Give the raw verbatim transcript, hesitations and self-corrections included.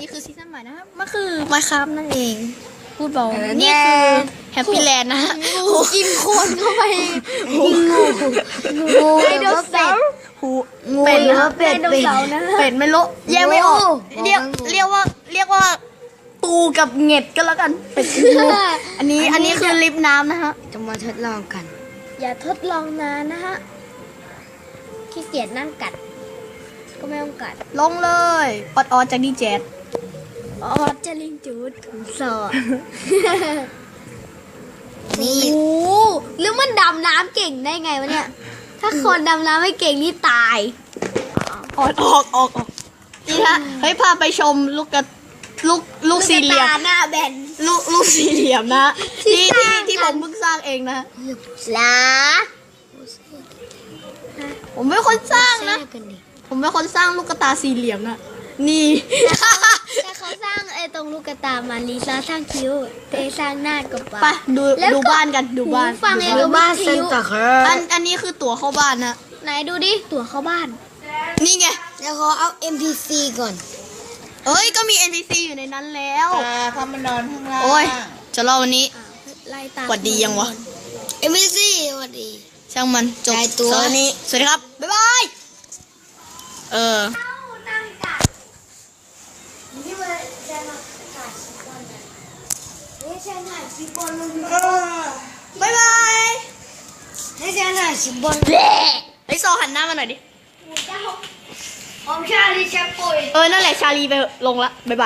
คือซีซั่นใหม่นะครับมันคือมาครับนั่นเองพูดเบานี่คือแฮปปี้แลนด์นะฮะกินคนเข้าไปงูงูไดโนเสาร์หูเป็ดนะเป็ดเป็ดเป็ดไม่รู้แยกไม่ออกเรียกเรียกว่าเรียกว่าตูกับเห็ดก็แล้วกันเป็ดงูอันนี้อันนี้คือลิฟน้ำนะฮะจะมาทดลองกันอย่าทดลองนานนะฮะขี้เกียจนั่งกัดก็ไม่ต้องกัดลงเลยออดออดจากดีเจ็ดออดจะลิงจูดถุงสอดนี่โอ้หรือมันดำน้ำเก่งได้ไงวะเนี่ยถ้าคนดำน้ำไม่เก่งนี่ตายออดออกออกออกนี่ฮะเฮ้ยพาไปชมลูกกระลูกลูกสี่เหลี่ยมหน้าแบนลูกลูกสี่เหลี่ยมนะที่ที่ที่ผมเพิ่งสร้างเองนะลาผมเป็นคนสร้างนะผมเป็นคนสร้างลูกกระตาสี่เหลี่ยมนะนี่แต่เขาสร้างไอ้ตรงลูกกระตามาลีซาสร้างคิ้วเตสร้างหน้ากับปากไปดูดูบ้านกันดูบ้านฟังไอ้ดูบ้านเซนต์อันอันนี้คือตั๋วเข้าบ้านนะไหนดูดิตั๋วเข้าบ้านนี่ไงเดี๋ยวขอเอา เอ็ม พี ซี ก่อนเอ้ยก็มี เอ็น พี ซี อยู่ในนั้นแล้วอ่าพามันนอนข้างล่างโอ้ยจะเล่าวันนี้หวัดดียังวะเอ็ม พี ซีสวัสดีช่างมันจบสวัสดีสวัสดีครับบ๊ายบายเออบ๊ายบายให้ฉันถ่ายคลิปบอลไอ้ซอหันหน้ามาหน่อยดิผมชาลีแชปโปยเออนั่นแหละชาลีไปลงละบ๊ายบาย